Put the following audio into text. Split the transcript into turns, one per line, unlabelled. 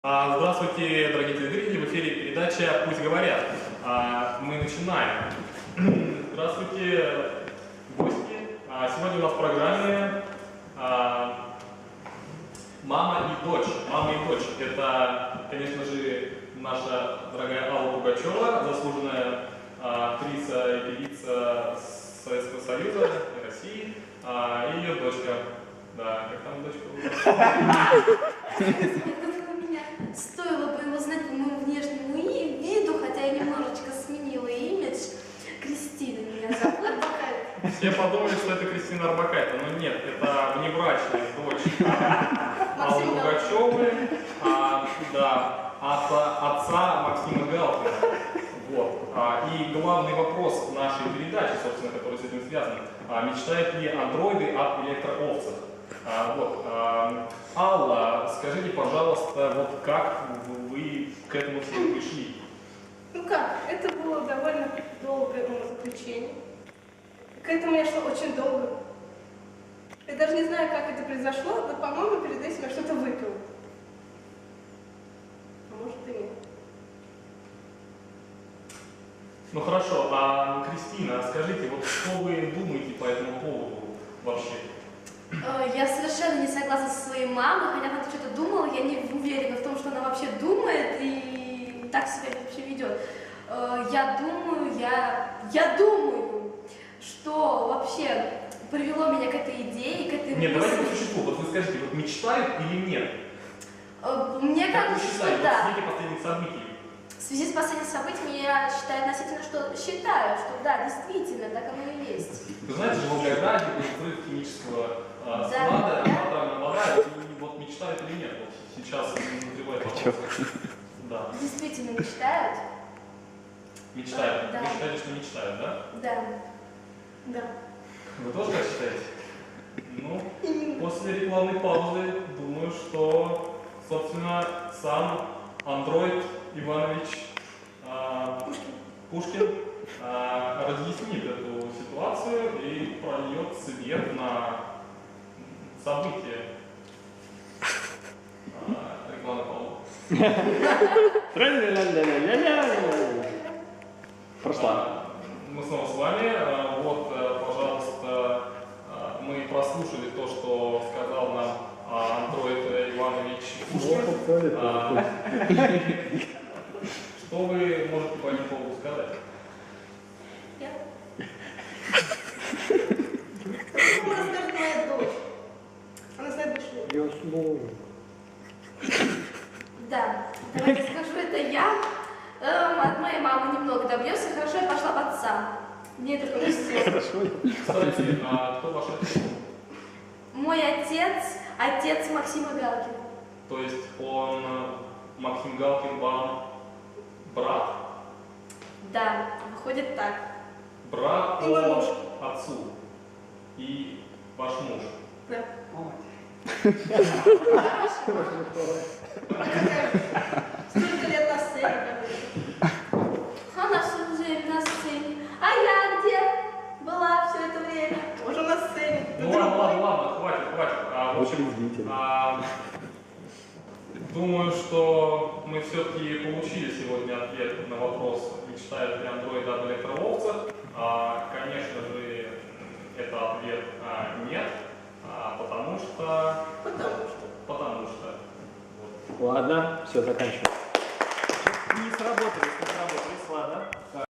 Здравствуйте, дорогие телезрители, в эфире передача «Пусть говорят». Мы начинаем. Здравствуйте, гости. Сегодня у нас в программе «Мама и дочь». «Мама и дочь» — это, конечно же, наша дорогая Алла Пугачева, заслуженная актриса и певица Советского Союза и России, и ее дочка. Да, как там дочка?
Стоило бы его знать по моему внешнему виду, хотя я немножечко сменила имидж. Кристина меня зовут, Арбакайте.
Все подумали, что это Кристина Арбакайте, но нет, это внебрачная дочь Аллы Пугачевой, от отца Максима Галкина. Вот. И главный вопрос нашей передачи, собственно, который с этим связан, мечтают ли андроиды об электроовцах? Алла, скажите, пожалуйста, вот как вы к этому всему пришли?
Ну как, это было довольно долгое умозаключение. К этому я шла очень долго. Я даже не знаю, как это произошло, но, по-моему, перед этим я что-то выпила. А может и нет.
Ну хорошо, Кристина, скажите, вот что вы думаете по этому поводу вообще?
Я совершенно не согласна со своей мамой, хотя она что-то думала, я не уверена в том, что она вообще думает и так себя вообще ведет. Я думаю, что вообще привело меня к этой идее, к этой мысли.
Нет, давайте по существу. Вот вы скажите, вот мечтают или нет?
Мне
Как вы
кажется,
считаете,
что да.
в свете последних событий?
В связи с последними событиями я считаю, что да, действительно, так оно и есть.
Вы знаете, же в Волгограде был взрыв химического склада, атомная вода, и вот мечтают или нет? Вот сейчас назревает вопрос. Да.
Действительно мечтают?
Мечтают.
Да.
Вы считаете, что мечтают, да?
Да. Да.
Вы тоже так считаете? Ну, после рекламной паузы, думаю, что, собственно, сам андроид Иванович Пушкин разъяснит эту ситуацию и прольет свет на события рекламной паузы.
Прошла.
Мы снова с вами. Вот, пожалуйста, мы прослушали то, что сказал нам андроид Иванович Пушкин. Что вы можете по этому поводу сказать?
Она скажет, моя дочь. Она знает больше.
Да, давайте скажу, это я. От моей мамы немного добьешься, хорошо, я пошла в отца. Мне это повезло.
Кстати, кто ваш отец?
Мой отец Максима Галкина.
То есть он, Максим Галкин, вам брат?
Да, выходит так.
Брат
И мой муж.
по отцу. И ваш муж.
Да. Столько лет на сцене.
Она всю жизнь на сцене. А я где была все это время?
Тоже на сцене.
Ну ладно, хватит. В общем, думаю, что мы все-таки получили сегодня ответ на вопрос, мечтают ли андроиды об электроовцах. Конечно же, это ответ нет, потому что.
Ладно, все, заканчиваем. Не сработали.